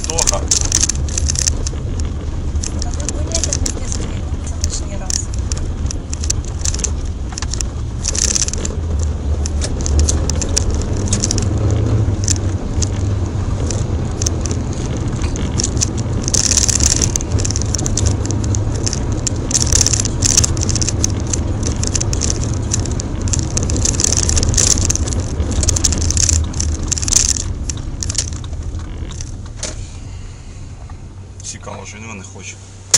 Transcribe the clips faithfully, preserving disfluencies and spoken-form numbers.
Антоха. А вы были это в Медведске лишний раз? Цікаво, що він не хоче.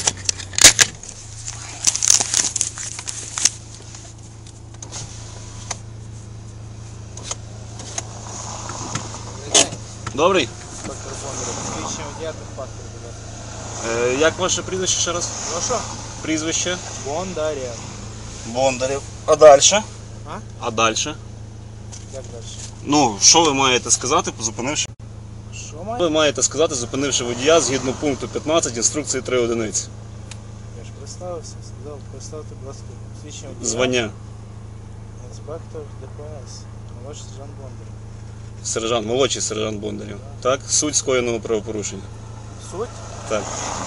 Добрий. Доктор Бондарев, посвідчення водія та паспорт, будь ласка. Е, як ваше прізвище ще раз? Прошу? Прізвище? Бондарев. Бондарів. А далі? А? А далі? Як далі? Ну, що ви маєте сказати, зупинивши? Що Ви має? маєте сказати, зупинивши водія згідно пункту п'ятнадцять інструкції три одиниці. Я ж представився, сказав, представте, будь ласка, посвідчення водія. Звання. Інспектор ДПС. Молодший сержант Бондарев. Сержант, молодший сержант Бондарів. Так? Суть скоєного правопорушення. Суть? Так.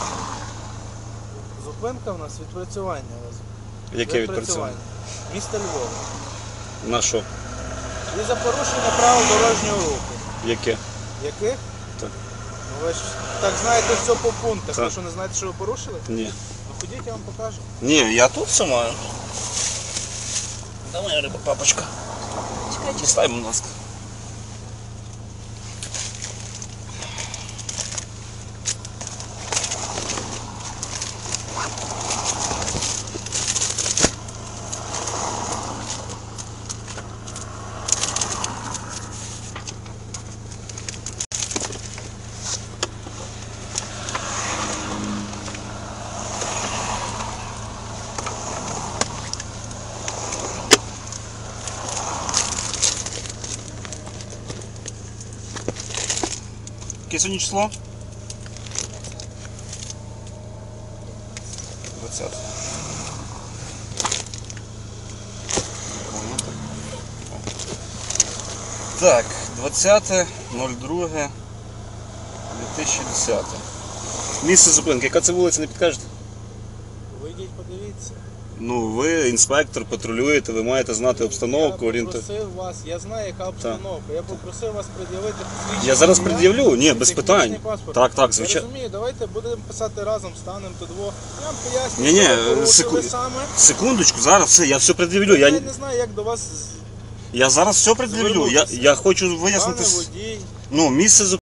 Зупинка в нас відпрацювання. Яке відпрацювання? Місто Львова. На що? І за порушення правил дорожнього руху. Яке? Яких? Так. Ну ви ж так знаєте все по пунктах. Так. Ви що, не знаєте, що ви порушили? Ні. Ну ходіть, я вам покажу. Ні, я тут все маю. Давай, риба, папочка. Чекай, Дістай, будь ласка. Яке сьогодні число? двадцяте. Так, двадцяте ноль друге дві тисячі десяте. Місце зупинки. Яка це вулиця, не підкажете? Вийдіть, подивіться. Ну, ви інспектор, патрулюєте, ви маєте знати обстановку, Я орієнту. попросив вас, я знаю, яка обстановка. Я попросив вас пред'явити посвідчення. Я зараз водія, пред'явлю, ні, без технічний питань. паспорт. Так, так, Я звичайно. розумію, давайте будемо писати разом, станемо то двох. Я вам поясню, Ні-ні, що ви порушили секу- саме. Секундочку, зараз все, я все пред'явлю. Я Я, не знаю, як до вас я зараз все пред'явлю. Я, Звернутися. я хочу пане вияснити. с- водій. Ну, місце зупинки.